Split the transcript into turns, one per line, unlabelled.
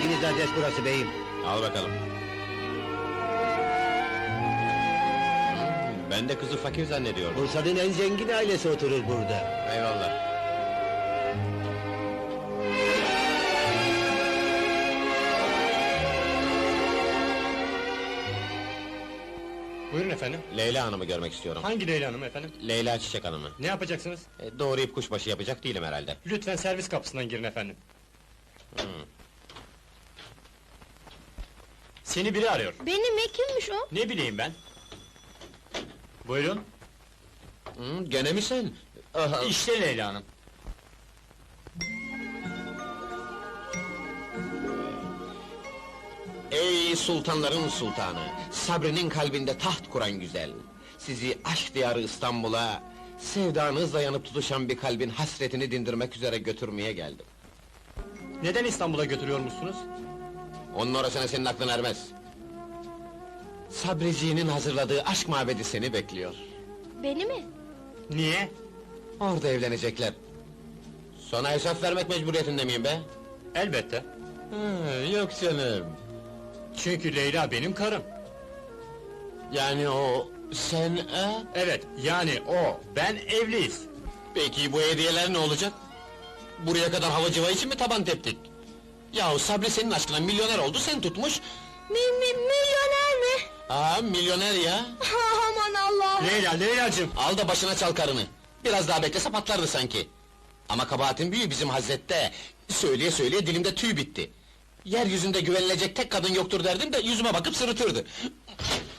Bildiğiniz adres burası beyim.
Al bakalım. Ben de kızı fakir zannediyordum.
Bursa'nın en zengin ailesi oturur burada.
Eyvallah.
Buyurun efendim.
Leyla Hanım'ı görmek istiyorum.
Hangi Leyla Hanım efendim?
Leyla Çiçek Hanım'ı.
Ne yapacaksınız?
Doğrayıp kuşbaşı yapacak değilim herhalde.
Lütfen servis kapısından girin efendim. Seni biri arıyor.
Benim mi? Kimmiş o?
Ne bileyim ben? Buyurun.
Gene mi sen? Aha.
İşte Leyla Hanım.
Ey sultanların sultanı! Sabrinin kalbinde taht kuran güzel! Sizi aşk diyarı İstanbul'a, sevdanızla yanıp tutuşan bir kalbin hasretini dindirmek üzere götürmeye geldim.
Neden İstanbul'a götürüyormuşsunuz?
Onun orasına senin aklın ermez. Sabriciğinin hazırladığı aşk mabedi seni bekliyor.
Beni mi?
Niye?
Orada evlenecekler. Sana hesap vermek mecburiyetinde miyim be?
Elbette.
Yok canım.
Çünkü Leyla benim karım.
Yani o... sen...
Evet, yani o, ben evliyiz.
Peki bu hediyeler ne olacak? Buraya kadar hava civa için mi taban teptik? Yahu Sabri senin aşkına milyoner oldu, sen tutmuş...
Milyoner mi?
Milyoner ya!
Aman Allah'ım!
Leylacığım!
Al da başına çal karını! Biraz daha beklese patlardı sanki! Ama kabahatin büyüğü bizim Hazret'te! Söyleye söyleye dilimde tüy bitti! Yeryüzünde güvenilecek tek kadın yoktur derdim de yüzüme bakıp sırıtırdı!